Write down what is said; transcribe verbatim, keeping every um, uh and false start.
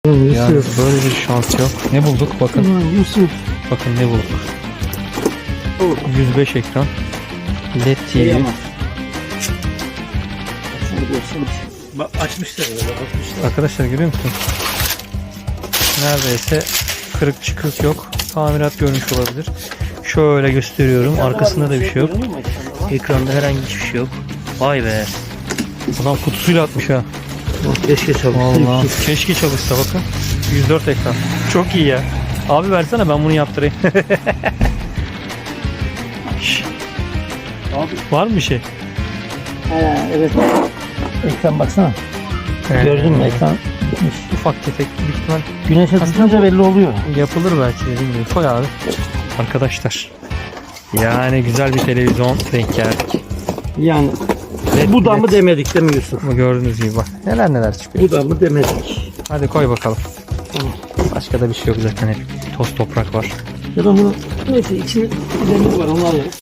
Yani böyle bir şans yok. Ne bulduk? Bakın. Yusuf. Bakın ne bulduk. yüz beş ekran. L E D T V. Bak açmışlar ya, bakmışlar. Arkadaşlar görüyor musun? Neredeyse kırık çıkık yok. Tamirat görmüş olabilir. Şöyle gösteriyorum. Arkasında da bir şey yok. Ekranda herhangi hiçbir şey yok. Vay be. Adam kutusuyla atmış ha. Keşke çalışsın. Vallahi keşke çalışsa bakın. yüz dört ekran. Çok iyi ya. Abi versene ben bunu yaptırayım. Şş. Abi. Var mı bir şey? Ha, evet. Ekran baksana. Evet. Gördün mü ekran bitmiş. Ufak tefek büyük ihtimal Güneşe Aslında tutunca belli oluyor. yapılır belki dediğim gibi. Koy abi. Arkadaşlar. Yani güzel bir televizyon denk geldik. Yani Led, bu da led. mı demedik değil mi Yusuf? Ama gördüğünüz gibi bak. Neler neler çıkıyor. Bu da mı demedik. Hadi koy bakalım. Başka da bir şey yok zaten, hep toz toprak var. Ya da bunu neyse içinde demir var, onu alalım.